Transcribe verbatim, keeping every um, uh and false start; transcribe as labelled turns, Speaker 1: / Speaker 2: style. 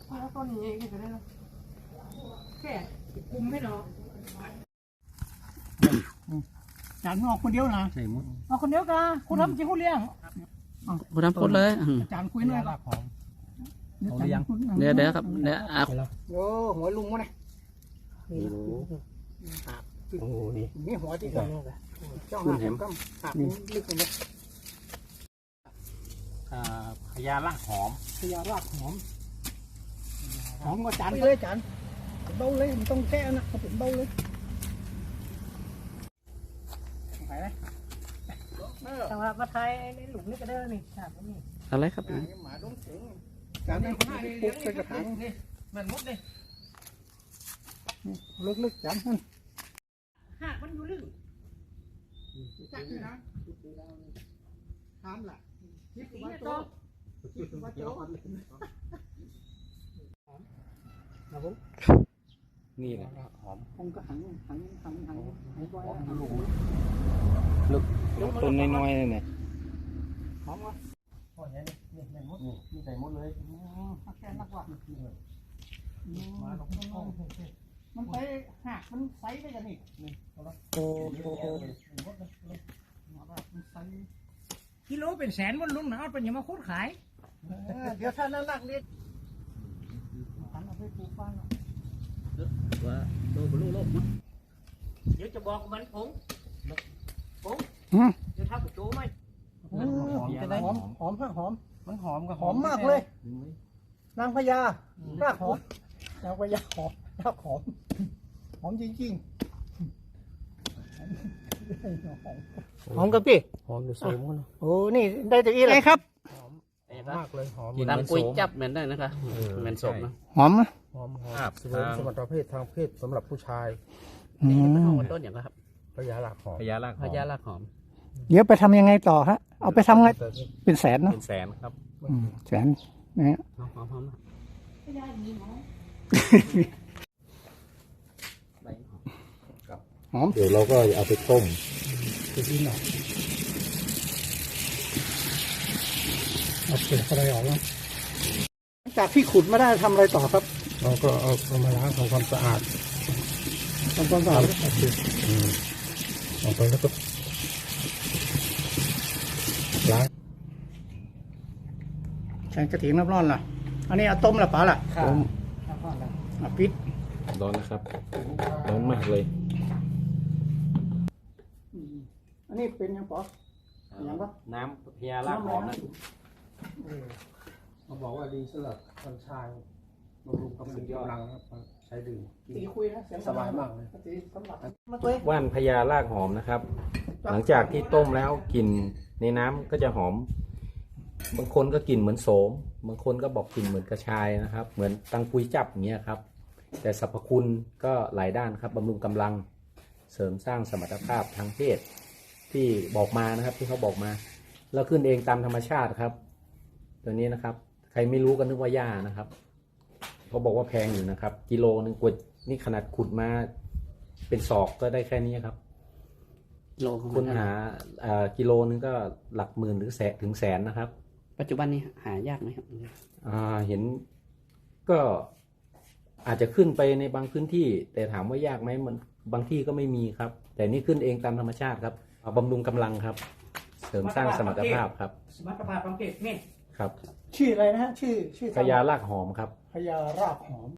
Speaker 1: แล้วต้นนี้ก็ได้แล้วแค่คุมให้เนาะจานออกคนเดียวนะใช่มุดออกคนเดียวกันคุณทำจริงคุณเลี้ยง
Speaker 2: คุณทำพูดเลย
Speaker 1: จานคุยหน่อยครับ
Speaker 2: เดี๋ยวเดี๋ยวครับเดี๋ยวอ่ะ
Speaker 1: โอ้หัวลุงวะเนี่ยโอ้นี่นี่หัวที่กันเจ้าหาเห็มก็หักลึกเลย
Speaker 3: พญารากหอม
Speaker 1: พญารากหอมหอมก็จานเลยจานเบาเลยมันต้องแก้นะเขาเป็นเบาเลยไปไหมแต่ว่ามาไทยในหลุมนี่ก็ได้นี่ฉากนี่
Speaker 2: อะไรครับ
Speaker 1: หมาต้องถึงจานนี้ปุ๊บใส่กระถางนี่มันมุดนี่ลึกๆจานมันหากมันอยู่ลึกจักนี่นะทำล่ะคิดว่าโตคิดว่าโตนะผม
Speaker 3: นี่แหละหอม
Speaker 1: ผมก็หันหันหันหันหันไว้
Speaker 3: ลึกต้นน้อยๆเลยเนี่ย
Speaker 1: หอมวะโอ้ยนี่นี่นี่มดนี่ใส่มดเลยแค่นักว่ามันไปหักมันไซได้กันนี่โอ้โหกิโลเป็นแสนวันลุงนะเอาเป็นยังมาโคตรขายเดี๋ยวท่านนั่งนักเรียนทำเอาไปปลูกบ้าน
Speaker 2: ว่าโลบลูโลบ
Speaker 1: เดี๋ยวจะบอกมันผงผงเดี๋ยวทำกับโจ้ไหมหอมหอมหอมหอมมันหอมกับหอมมากเลยนางพญารากหอมนางพญาหอมรากหอมหอมจริงๆหอมกับพี่
Speaker 3: หอมจะสูงกัน
Speaker 1: โอ้นี่ได้จากอีอะไรครับ
Speaker 3: หอมมากเลยหอม
Speaker 2: ตามกุยจับเหมือนได้นะคะเหมือนศพนะ
Speaker 1: หอม
Speaker 3: หอมหอมสมรรถเพศทางเพศสำหรับผู้ชาย
Speaker 2: นี่เป็นของต้นอย่างไรครับ
Speaker 3: พญารากหอมพญาราก
Speaker 2: พญารากหอม
Speaker 1: เดี๋ยวไปทำยังไงต่อฮะเอาไปทำไงเป็นแสนเนาะ
Speaker 3: เป็นแสนครับ
Speaker 1: แสนนะฮะ
Speaker 2: หอมหอมหอม
Speaker 1: หอม
Speaker 3: เดี๋ยวเราก็เอาไปต้ม
Speaker 1: จะกินหน่อยเอาเปลือกอะไรออกแล้วจากที่ขุดมาได้ทำอะไรต่อครับ
Speaker 3: เราก็เอาเอามาล้างทำความสะอาด
Speaker 1: ทำความสะอาด
Speaker 3: ออกไปแล้วก็ล้าง
Speaker 1: แกงกระถิ่นน้ำร้อนล่ะอันนี้เอาต้มละป๋าล่ะ
Speaker 3: ต้ม
Speaker 1: เอาปิด
Speaker 3: ร้อนนะครับร้อนมากเลย
Speaker 1: อันนี้เป็นยังป๋อยังปะ
Speaker 3: น้ำพญารากหอมนะ
Speaker 1: เขาบอกว่าดีสำหรับคนชายบำรุงกำลังครับใช้ดื่มตีคุยนะเสียงสบายมากเลยตีสำหรับ
Speaker 3: ว่านพญารากหอมนะครับหลังจากที่ต้มแล้วกลิ่นในน้ำก็จะหอมบางคนก็กลิ่นเหมือนโสมบางคนก็บอกกลิ่นเหมือนกระชายนะครับเหมือนตังปุยจับอย่างเงี้ยครับแต่สรรพคุณก็หลายด้านครับบำรุงกำลังเสริมสร้างสมรรถภาพทางเพศที่บอกมานะครับที่เขาบอกมาแล้วขึ้นเองตามธรรมชาติครับตัวนี้นะครับใครไม่รู้ก็นึกว่าหญ้านะครับเขาบอกว่าแพงอยู่นะครับกิโลนึงกวดนี่ขนาดขุดมาเป็นศอกก็ได้แค่นี้ครับคุณหากิโลนึงก็หลักหมื่นหรือแสนถึงแสนนะครับ
Speaker 2: ปัจจุบันนี้หายากไหมครับ
Speaker 3: เห็นก็อาจจะขึ้นไปในบางพื้นที่แต่ถามว่ายากไหมมันบางที่ก็ไม่มีครับแต่นี่ขึ้นเองตามธรรมชาติครับบำรุงกำลังครับเสริมสร้างสมรรถภาพครับ
Speaker 1: สมรรถภาพสังเกตนี่
Speaker 3: ครับ
Speaker 1: ชื่ออะไรนะฮะชื่อชื่อ
Speaker 3: พญารากหอมครับ
Speaker 1: พญารากหอม